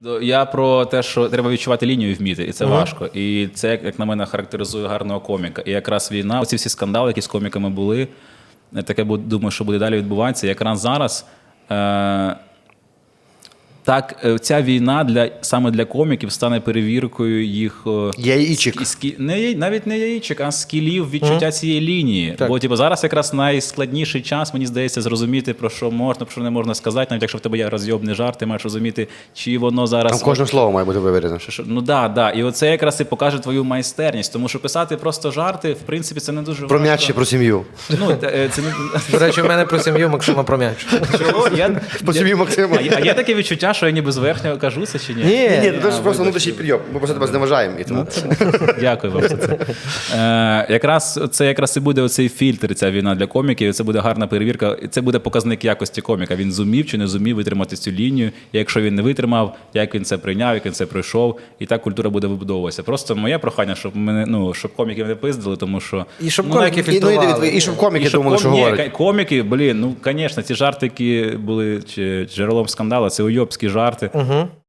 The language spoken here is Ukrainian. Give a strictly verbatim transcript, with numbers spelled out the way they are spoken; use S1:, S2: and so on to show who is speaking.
S1: Я про те, що треба відчувати лінію і вміти, і це
S2: Ага.
S1: важко. І це, як, як на мене, характеризує гарного коміка. І якраз війна, оці всі скандали, які з коміками були, таке думаю, що буде далі відбуватися. Якраз зараз е- так, е, ця війна для саме для коміків стане перевіркою їх е,
S2: Яєчок.
S1: скі- скі- не, яй- навіть не яєчок, а скілів відчуття
S2: Мгм.
S1: цієї лінії.
S2: Так.
S1: Бо типу, зараз якраз найскладніший час, мені здається, зрозуміти, про що можна, про що не можна сказати. Навіть якщо в тебе є розйобний жарт, ти маєш розуміти, чи воно зараз.
S2: Там кожне слово має бути вивірено.
S1: Що- що- Ну да, да. І оце якраз і покаже твою майстерність. Тому що писати просто жарти, в принципі, це не дуже
S2: Про
S1: важко.
S2: м'яч чи про сім'ю.
S1: Ну, е, це не...
S3: До речі, у мене про сім'ю Максима про м'яч.
S1: Чого? Я...
S2: По сім'ї Максима.
S1: А є, а є таке відчуття, що я ніби зверхньо кажу це чи ні?
S2: Ні, ні,
S3: Ні,
S2: це
S1: а,
S2: ж просто
S1: вибачте.
S2: внутрішній підйом. Ми просто тебе зневажаємо. І тому.
S1: Дякую вам за це. Е, якраз це якраз і буде оцей фільтр, ця війна для коміків. І це буде гарна перевірка. І це буде показник якості коміка. Він зумів чи не зумів витримати цю лінію. І якщо він не витримав, як він це прийняв, як він це пройшов, і так культура буде вибудовуватися. Просто моє прохання, щоб мене, ну, щоб коміків не пиздили, тому що
S3: І щоб
S1: ну,
S3: коміки
S1: навіть-
S2: І, ну, і,
S3: фільтрували.
S2: дивіться, і щоб коміки
S1: і щоб
S2: думали,
S1: ком-
S2: що
S1: ні,
S2: говорять.
S1: ка- коміки, блін, ну, звісно, ці жарти, які були чи, джерелом скандалу, це уйобські жарти.
S3: Угу.